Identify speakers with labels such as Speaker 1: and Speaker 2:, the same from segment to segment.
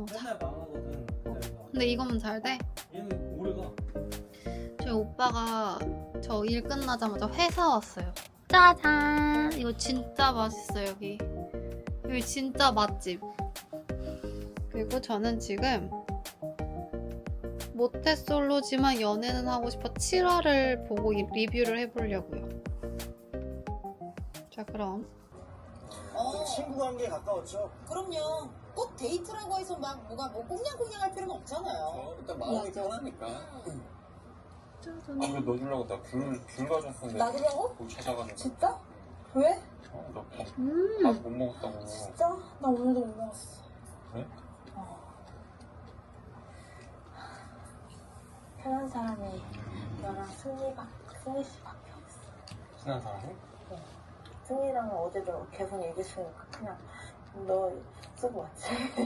Speaker 1: 먹어보자.
Speaker 2: 맨날 망하거든.
Speaker 1: 근데 이거면 잘 돼?
Speaker 2: 얘는 오래가.
Speaker 1: 저희 오빠가 저 일 끝나자마자 회사 왔어요. 짜잔! 이거 진짜 맛있어요, 여기. 여기 진짜 맛집. 그리고 저는 지금 모태솔로지만 연애는 하고 싶어 7화를 보고 리뷰를 해보려고요. 자, 그럼.
Speaker 3: 친구 관계에 가까웠죠?
Speaker 4: 그럼요. 꼭 데이트라고 해서 막 뭐가 뭐 꽁냥꽁냥할 필요는 없잖아요.
Speaker 3: 일단 마음이 편하니까.
Speaker 1: 짜잔.
Speaker 5: 안 그래도 너 주려고 나 귤 가져왔었는데
Speaker 4: 놔두려고?
Speaker 5: 뭐 찾아가지고
Speaker 4: 진짜? 왜?
Speaker 5: 나밥 못 먹었다고.
Speaker 4: 진짜? 나 오늘도 못 먹었어.
Speaker 5: 그래?
Speaker 4: 편한 사람이 너랑 승희 씨밖에 없어.
Speaker 5: 친한 사람이?
Speaker 4: 승희랑은 어제도 계속 얘기했으니까 그냥 너 쓰고 왔지.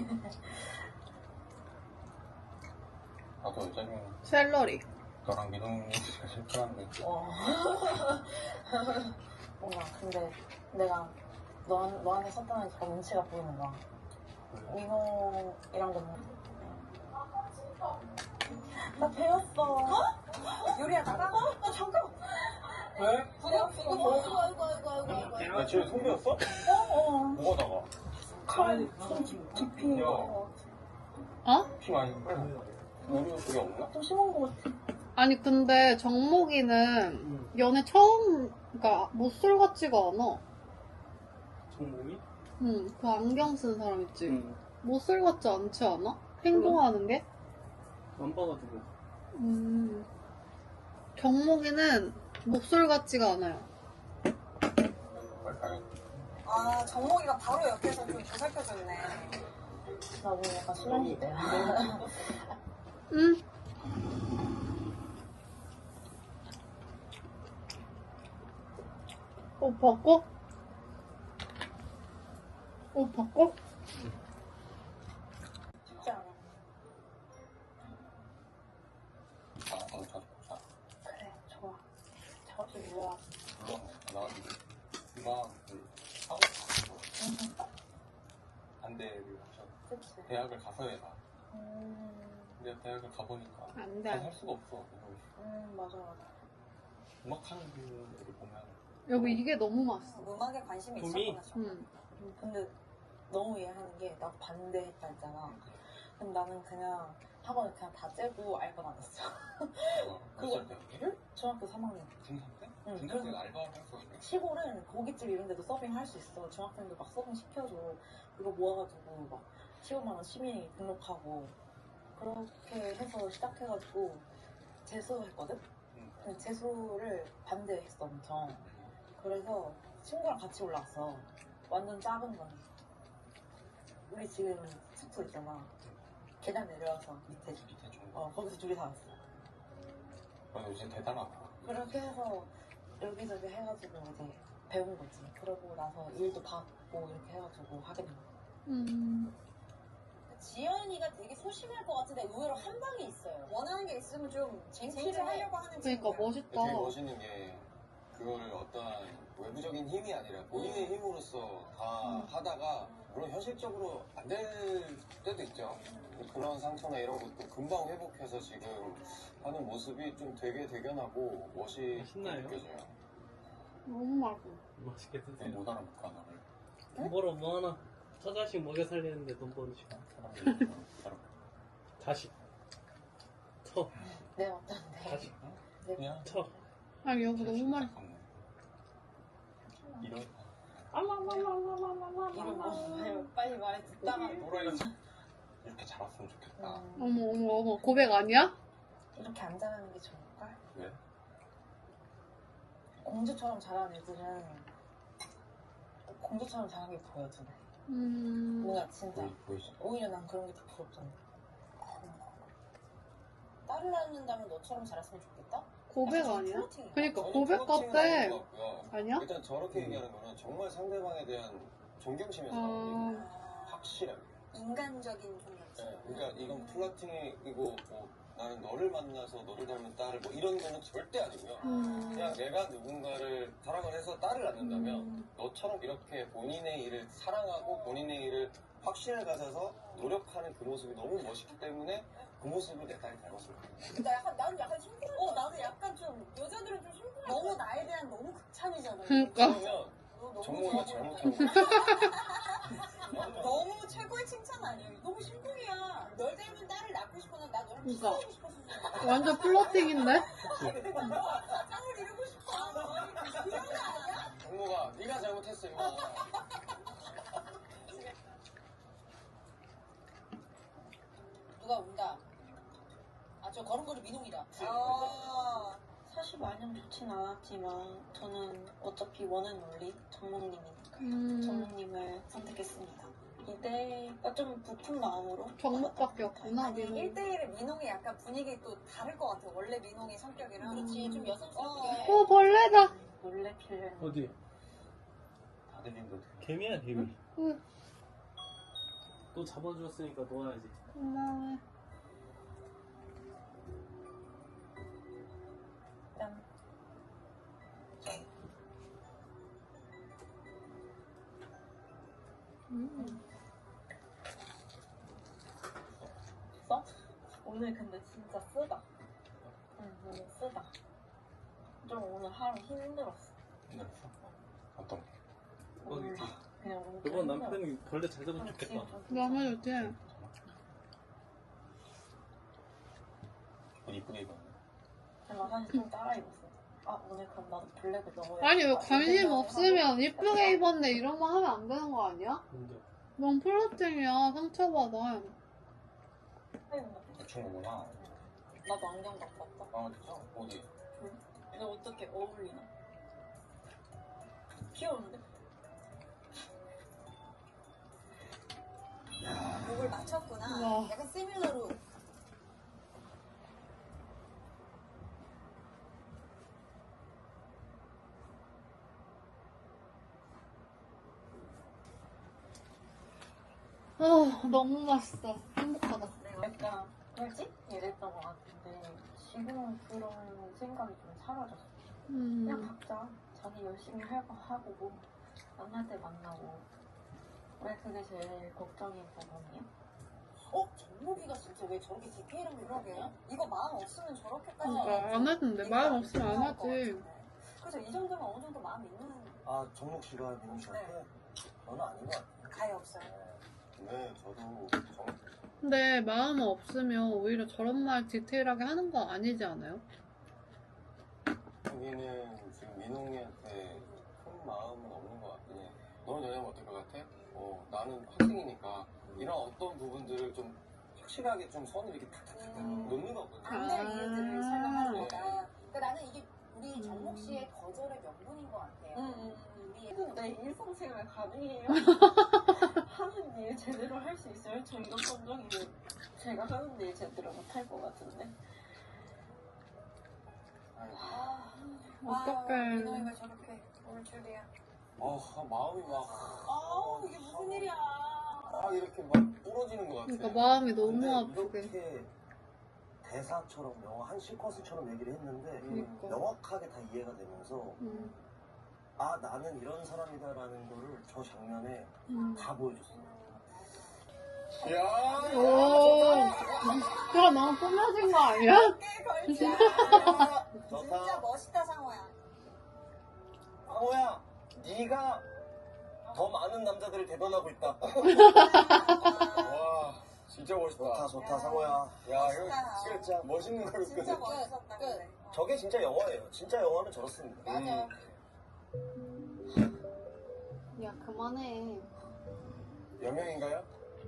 Speaker 5: 나도 여자면
Speaker 1: 샐러리.
Speaker 5: 너랑 민호가 실패한데.
Speaker 4: 뭔가 근데 내가 너한테 썼다는 저 눈치가 보이는 거야. 민호이랑도 나 배웠어. 요리야 나랑? 잠깐.
Speaker 5: 왜?
Speaker 4: 아이고.
Speaker 5: 나 집에 손배웠어? 뭐가 나가?
Speaker 4: 칼 깊이.
Speaker 5: 야.
Speaker 1: 어?
Speaker 5: 피 많이 빨리. 우리 그게 없나?
Speaker 4: 좀 심한 거 같아.
Speaker 1: 아니, 근데 정목이는 연애 처음, 그러니까 못쏠 같지가 않아.
Speaker 2: 정몽이?
Speaker 1: 응, 그 안경 쓴 사람 있지?
Speaker 2: 응.
Speaker 1: 못쏠 같지 않지 않아? 행동하는 게?
Speaker 2: 안 봐가지고.
Speaker 1: 정목이는 목솔 같지가 않아요.
Speaker 5: 빨리 가야
Speaker 4: 아 정목이가 바로 옆에서 좀 보살펴줬네. 나 오늘 약간 수면시대야.
Speaker 1: 응. 옷 벗고? 옷 벗고?
Speaker 4: 쉽지 않아.
Speaker 5: 나도 자주 보자.
Speaker 4: 그래 좋아. 자주 놀아.
Speaker 5: 나 누가 하고 싶어. 반대를 하셔.
Speaker 4: 그치.
Speaker 5: 대학을 가서 해라. 근데 대학을 가보니까
Speaker 1: 안
Speaker 5: 잘
Speaker 1: 돼.
Speaker 5: 할 수가 없어.
Speaker 4: 맞아.
Speaker 5: 음악하는 분들을 보면
Speaker 1: 여보, 이게 너무 맛있어.
Speaker 4: 음악에 관심이
Speaker 2: 봄이?
Speaker 4: 있었구나.
Speaker 1: 응.
Speaker 4: 근데 너무 이해하는 게 나 반대했다 했잖아. 그럼 나는 그냥 학원을 그냥 다 째고 알 건 안 했어.
Speaker 5: 몇살 때?
Speaker 4: 중학교 3학년.
Speaker 5: 중3 때?
Speaker 4: 응,
Speaker 5: 중3 때
Speaker 4: 그래서-
Speaker 5: 알바를 했어.
Speaker 4: 시골은 고깃집 이런 데도 서빙 할 수 있어. 중학생들 막 서빙 시켜줘. 그거 모아가지고 막 15만 원 시민이 등록하고 그렇게 해서 시작해가지고 재수했거든? 근데 재수를 반대했어 엄청. 그래서 친구랑 같이 올라왔어. 완전 작은 건. 우리 지금 숙소 있잖아. 계단 내려와서 밑에
Speaker 5: 밑에 좀.
Speaker 4: 거기서 둘이 살았어.
Speaker 5: 요즘 대단하다.
Speaker 4: 그렇게 해서 여기저기 해가지고 이제 배운 거지. 그러고 나서 일도 받고 이렇게 해가지고 하게 된 거야. 지연이가 되게 소심할 것 같은데 의외로 한 방이 있어요. 원하는 게 있으면 좀 쟁취를 하려고 하는
Speaker 1: 그러니까
Speaker 4: 친구야.
Speaker 1: 멋있다.
Speaker 3: 되게 멋있는 게 그거를 어떠한 외부적인 힘이 아니라 본인의 힘으로서 다 하다가 물론 현실적으로 안 될 때도 있죠. 그런 상처나 이런 것도 금방 회복해서 지금 하는 모습이 좀 되게 대견하고 멋있게
Speaker 2: 맛있나요?
Speaker 3: 느껴져요.
Speaker 1: 너무 맛있어.
Speaker 2: 맛있게 드세요.
Speaker 5: 못 알아볼까 너를.
Speaker 2: 돈 벌어 뭐 하나. 처자식 먹여 살리는데 돈 버는 시간.
Speaker 5: 사람들이 알아볼까.
Speaker 2: 다시. 터.
Speaker 4: 네 어떤데?
Speaker 2: 다시.
Speaker 5: 그냥
Speaker 2: 터.
Speaker 1: 아니, 여보, 너무 맛있어.
Speaker 5: 이런
Speaker 4: 이런 거 빨리 말해 듣다가
Speaker 5: 또라이가 이렇게 자랐으면 좋겠다.
Speaker 1: 어머, 어머, 어머. 고백 아니야?
Speaker 4: 이렇게 안 자라는 게 좋을까?
Speaker 5: 왜?
Speaker 4: 공주처럼 자라는 애들은 공주처럼 자라는 게 보여주네.
Speaker 1: 음.
Speaker 4: 뭔가 진짜
Speaker 5: 보이지?
Speaker 4: 오히려 난 그런 게 더 부럽잖아. 딸을 낳는다면 너처럼 자랐으면 좋겠다?
Speaker 1: 고백
Speaker 4: 약간
Speaker 1: 아니야?
Speaker 4: 플러팅인가?
Speaker 1: 그니까
Speaker 3: 저는
Speaker 1: 고백
Speaker 3: 플러팅은
Speaker 1: 같아.
Speaker 3: 아닌 것 같고요.
Speaker 1: 아니야?
Speaker 3: 일단 저렇게 얘기하는 거는 정말 상대방에 대한 존경심에서 나오는 얘기예요. 확실하게.
Speaker 4: 인간적인 좀
Speaker 3: 네, 그러니까 이건 플러팅이고 뭐 나는 너를 만나서 너를 닮은 딸을 뭐 이런 거는 절대 아니고요. 그냥 내가 누군가를 사랑을 해서 딸을 낳는다면 너처럼 이렇게 본인의 일을 사랑하고 본인의 일을 확신을 가져서 노력하는 그 모습이 너무 멋있기 때문에 그 모습을 내 딸이 닮았을 거야.
Speaker 4: 나는 약간 심쿵. 나도 약간 좀 여자들은 좀 심쿵. 너무 나에 대한 너무 극찬이잖아.
Speaker 1: 그러니까.
Speaker 3: 그러면 정모가 잘못한 거.
Speaker 4: 너무 최고의 칭찬 아니야? 너무 심쿵이야. 널 닮은 딸을 낳고 싶어서 나 너랑
Speaker 1: 그러니까.
Speaker 4: 키스하고 싶었어.
Speaker 1: 완전 플러팅인데?
Speaker 4: 짱을 이루고 싶어. 그런 거 아니야?
Speaker 3: 정모가 네가 잘못했어 이거.
Speaker 4: 누가 운다. 아, 저 걸음걸이 민홍이다.
Speaker 6: 사실 마냥 좋진 않았지만 저는 어차피 원은 원리 정목님이니까 정목님을 선택했습니다. 이대가 좀 부푼 마음으로
Speaker 1: 정목밖에 없구나,
Speaker 4: 아니,
Speaker 1: 민홍이.
Speaker 4: 1대1의 민홍이 약간 분위기 또 다를 것 같아. 원래 민홍이 성격이랑. 그렇지, 좀 여성스럽게.
Speaker 1: 오, 벌레다.
Speaker 6: 몰래 필름
Speaker 2: 어디?
Speaker 3: 다 들린다.
Speaker 2: 개미야 개미.
Speaker 1: 응.
Speaker 2: 또 잡아주었으니까 놓아야지.
Speaker 1: 고마워.
Speaker 6: 짠. 써? 오늘 근데 진짜 쓰다. 응, 오늘 쓰다. 좀 오늘 하루 힘들었어.
Speaker 3: 힘들었어? 어떤?
Speaker 6: 오늘 그냥 오늘 좀
Speaker 2: 이번
Speaker 6: 힘들었어.
Speaker 2: 남편이 벌레 잘 잡으면
Speaker 6: 오늘
Speaker 2: 좋겠다.
Speaker 6: 지금 좀
Speaker 1: 너무 좋지?
Speaker 3: 이쁘게 입었네.
Speaker 6: 제가 사실 좀 따라 입었어. 아 오늘 그럼 나도 블랙을 넣어야
Speaker 1: 아니, 왜 관심 없으면 이쁘게 입었네 이런 말 하면 안 되는 거 아니야?
Speaker 2: 근데
Speaker 1: 넌 플러팅이야. 상처받아.
Speaker 3: 대충 오구나.
Speaker 6: 나도 안경 갖고 왔다.
Speaker 3: 아 진짜? 어디?
Speaker 6: 근데 어떻게 어울리나? 귀여운데?
Speaker 4: 목을 맞췄구나.
Speaker 1: 와.
Speaker 4: 약간 시밀러로.
Speaker 1: 너무 맛있어. 행복하다.
Speaker 6: 약간 뭐지? 이랬던 것 같은데 지금은 그런 생각이 좀 사라졌어. 그냥 각자 자기 열심히 할 거 하고 뭐 만날 때 만나고 왜 그게 제일 걱정인 부분이야?
Speaker 4: 정목이가 진짜 왜 저렇게 디테일한 걸 그러게? 이거 마음 없으면 저렇게까지.
Speaker 1: 그러니까 안 하던데. 마음 없으면 안 하지.
Speaker 4: 그래서 이 정도면 어느 정도 마음 있는
Speaker 3: 아 정목 씨가 민우 씨한테? 저는 아닌 것 같아요.
Speaker 4: 가해 없어요.
Speaker 3: 네, 저도
Speaker 1: 근데 마음 없으면 오히려 저런 말 디테일하게 하는 거 아니지 않아요?
Speaker 3: 여기는 지금 민홍이한테 큰 마음은 없는 것 같긴 해. 너는 왜냐면 어떨 것 같아? 나는 학생이니까 이런 어떤 부분들을 좀 확실하게 좀 선을 이렇게 탁탁탁 놓는 거거든.
Speaker 4: 안 될 이유들을 설명하는
Speaker 3: 네.
Speaker 4: 거다. 그러니까 나는 이게 우리 정목 씨의 거절의 명분인 것 같아요. 우리
Speaker 6: 내 일상생활 가능해요? 하는 일 제대로 할 수 있어요? 저 이런 감정이면 제가 하는 일 제대로 못할 것 같은데.
Speaker 1: 어떡해.
Speaker 4: 민호이가 저렇게 올 줄이야.
Speaker 3: 마음이 막,
Speaker 4: 이게 무슨 일이야.
Speaker 3: 이렇게 막 부러지는 것 같아.
Speaker 1: 그러니까 마음이 너무
Speaker 7: 근데
Speaker 1: 아프게.
Speaker 7: 이렇게 대사처럼 영화 한 시퀀스처럼 얘기를 했는데
Speaker 1: 그러니까.
Speaker 7: 명확하게 다 이해가 되면서 아 나는 이런 사람이다라는 거를 저 장면에 다 보여줬어요.
Speaker 3: 야
Speaker 1: 오. 그거 너무 꾸며진 거 아니야?
Speaker 3: 좋다.
Speaker 4: 진짜 멋있다, 상호야.
Speaker 7: 상호야, 네가 더 많은 남자들을 대변하고 있다.
Speaker 3: 와, 진짜 멋있다.
Speaker 7: 좋다 상호야.
Speaker 3: 야,
Speaker 4: 멋있다.
Speaker 3: 이거 진짜 멋있는 걸로
Speaker 4: 진짜
Speaker 3: 끝.
Speaker 4: 멋있었다. 근데.
Speaker 7: 저게 진짜 영화예요. 진짜 영화는 저렇습니다.
Speaker 4: 맞아.
Speaker 1: 야, 그만해.
Speaker 3: 여명인가요?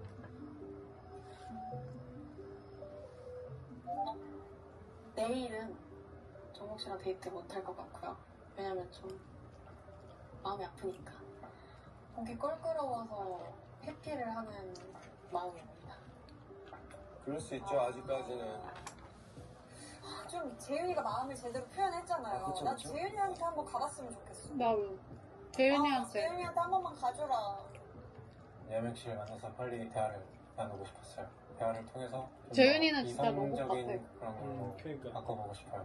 Speaker 6: 내일은 정목 씨랑 데이트 못할 것 같고요. 왜냐면 좀 마음이 아프니까. 목이 껄끄러워서 회피를 하는 마음입니다.
Speaker 3: 그럴 수 있죠, 아직까지는.
Speaker 4: 좀 재윤이가 마음을 제대로 표현했잖아요.
Speaker 7: 그쵸,
Speaker 4: 난
Speaker 7: 그쵸.
Speaker 4: 재윤이한테 한번 가봤으면 좋겠어.
Speaker 1: 나도. 재윤이한테.
Speaker 4: 재윤이한테 한 번만 가줘라.
Speaker 5: 여명 씨를 만나서 빨리 대화를 나누고 싶었어요. 대화를 통해서 좀더
Speaker 1: 재윤이는 진짜 로봇
Speaker 5: 이성적인
Speaker 1: 같아.
Speaker 5: 그런 걸로
Speaker 2: 그러니까.
Speaker 5: 바꿔보고 싶어요.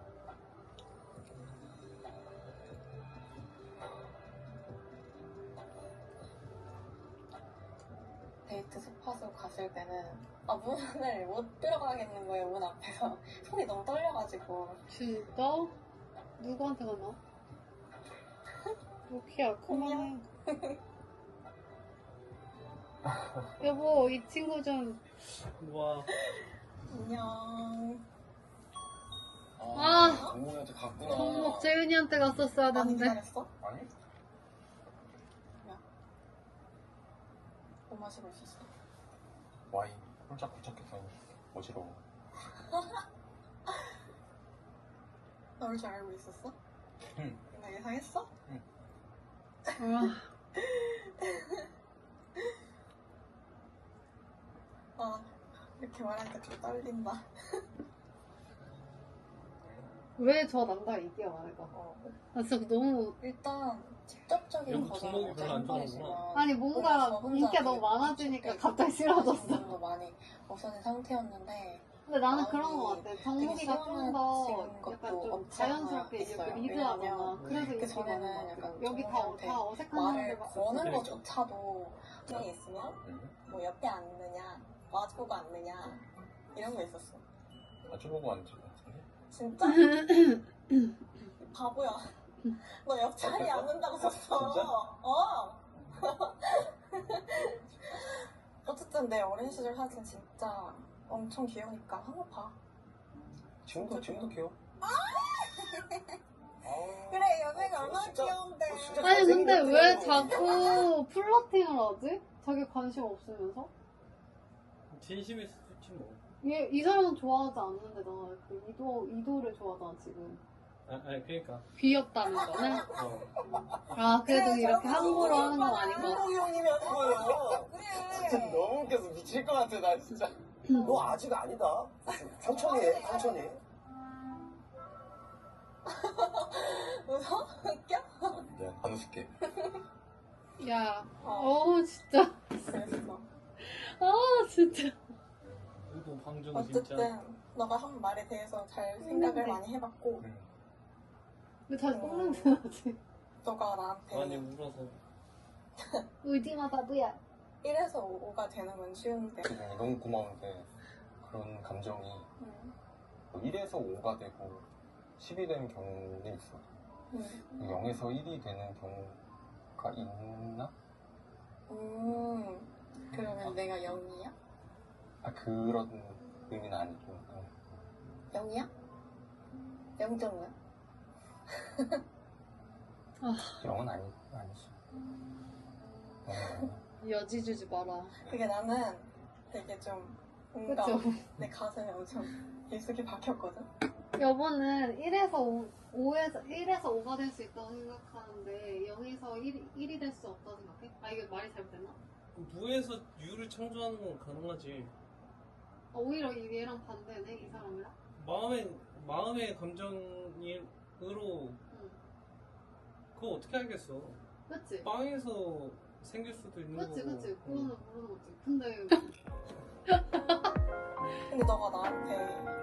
Speaker 6: 데이트 스팟으로 갔을 때는 문을 못 들어가겠는 거예요. 문 앞에서 손이 너무 떨려가지고.
Speaker 1: 진짜? 누구한테 가나? 루키야, 그만해. 여보, 이 친구 좀.
Speaker 2: 와,
Speaker 6: 안녕.
Speaker 1: 아.
Speaker 3: 정목이한테 갔구나.
Speaker 1: 정목 재윤이한테 갔었어야
Speaker 4: 많이
Speaker 1: 되는데.
Speaker 4: 기다렸어?
Speaker 5: 아니?
Speaker 4: 뭐 마시고 있었어?
Speaker 5: 와인 홀짝홀짝해서 어지러워.
Speaker 4: 나올 줄 알고 있었어?
Speaker 5: 응.
Speaker 4: 나 예상했어? 아, 이렇게 말하니까 좀 떨린다.
Speaker 1: 왜 저 남자 이기야, 말해봐. 나 진짜 너무.
Speaker 4: 일단 직접적인
Speaker 2: 여보
Speaker 4: 거잖아.
Speaker 2: 주먹이 별로 안 좋아하구나.
Speaker 1: 아니, 뭔가 인기가 너무 많아지니까 갑자기 싫어졌어.
Speaker 6: 도 많이 없어진 상태였는데
Speaker 1: 근데 나는 그런 거 같아.
Speaker 6: 되게
Speaker 1: 정국이가 좀 더
Speaker 6: 시원해진 것도
Speaker 1: 약간 좀
Speaker 6: 없지 않아
Speaker 1: 자연스럽게 이렇게
Speaker 6: 있어요.
Speaker 1: 리드하잖아.
Speaker 6: 왜냐면
Speaker 1: 그래서
Speaker 6: 그
Speaker 1: 인기가
Speaker 6: 전에는
Speaker 1: 많은 것
Speaker 6: 약간
Speaker 1: 같아. 여기
Speaker 6: 정국한테
Speaker 1: 다 어색한
Speaker 6: 말을
Speaker 1: 사람들밖에
Speaker 6: 거는
Speaker 1: 없어.
Speaker 6: 것조차도 중에 있으면 뭐 옆에 앉느냐 마주보고 앉느냐 이런 거 있었어.
Speaker 5: 마주보고 앉은 것 같은데?
Speaker 4: 진짜? 바보야. 너 옆자리에 앉는다고 썼어.
Speaker 5: 진짜?
Speaker 4: 어쨌든 내 어린 시절 사진 진짜 엄청 귀여우니까 한번 봐.
Speaker 5: 지금도 귀여워.
Speaker 4: 그래, 여자가 얼마나
Speaker 3: 진짜-
Speaker 4: 귀여운데.
Speaker 3: 진짜
Speaker 1: 아니, 근데
Speaker 3: 잘생긴
Speaker 1: 왜
Speaker 3: 것
Speaker 1: 자꾸 플러팅을 하지? 자기 관심 없으면서?
Speaker 2: 진심일 수도 있지 뭐.
Speaker 1: 이 사람은 좋아하지 않는데, 나 그 이도를 좋아하잖아, 지금.
Speaker 2: 아니 그러니까.
Speaker 1: 귀엽다는 거는?
Speaker 2: 어.
Speaker 1: 아, 그래도 이렇게 함부로 하는 건 아닌 것 같아.
Speaker 4: 한국이 형님이 하는 거예요.
Speaker 3: 진짜
Speaker 4: 그래.
Speaker 3: 너무 웃겨서 미칠 것 같아, 나 진짜.
Speaker 7: 너 아직 아니다. 천천히 해, 천천히.
Speaker 4: 웃어? 웃겨?
Speaker 3: 미안, 안 웃을게.
Speaker 1: 야, 진짜.
Speaker 4: 그랬어.
Speaker 1: 진짜.
Speaker 2: 이거 방정 진짜.
Speaker 4: 어쨌든 너가 한 말에 대해서 잘 생각을 많이 해봤고
Speaker 1: 왜 다시 똥냄새 나지?
Speaker 4: 너가
Speaker 2: 많이
Speaker 4: 나한테
Speaker 2: 울어서.
Speaker 1: 울지마, 바보야.
Speaker 4: 1에서 5가 되는 건 쉬운데
Speaker 5: 지금 너무 고마운데 그런 감정이 1에서 5가 되고 10이 되는 경우는 있어. 0에서 1이 되는 경우가 있나?
Speaker 6: 그러면 내가 0이야?
Speaker 5: 그런 의미는 아니고.
Speaker 6: 0이야? 0.5야?
Speaker 5: 0은 아니지.
Speaker 1: 여지 주지 마라.
Speaker 4: 그게 나는 되게 좀 뭔가
Speaker 1: 그쵸?
Speaker 4: 내 가슴에 엄청 깊숙이 박혔거든.
Speaker 1: 여보는 1에서 5가 될 수 있다고 생각하는데 0에서 1이 될 수 없다고 생각해? 아, 이게 말이 잘못됐나?
Speaker 2: 무에서 유를 창조하는 건 가능하지.
Speaker 1: 오히려 얘랑 반대네, 이 사람이랑?
Speaker 2: 마음의 감정으로 그거 어떻게 알겠어?
Speaker 1: 그치?
Speaker 2: 빵에서 생길 수도 있는
Speaker 1: 그치,
Speaker 2: 거고.
Speaker 1: 그치. 그거는 모르는 거지. 근데
Speaker 4: 근데 너가 나한테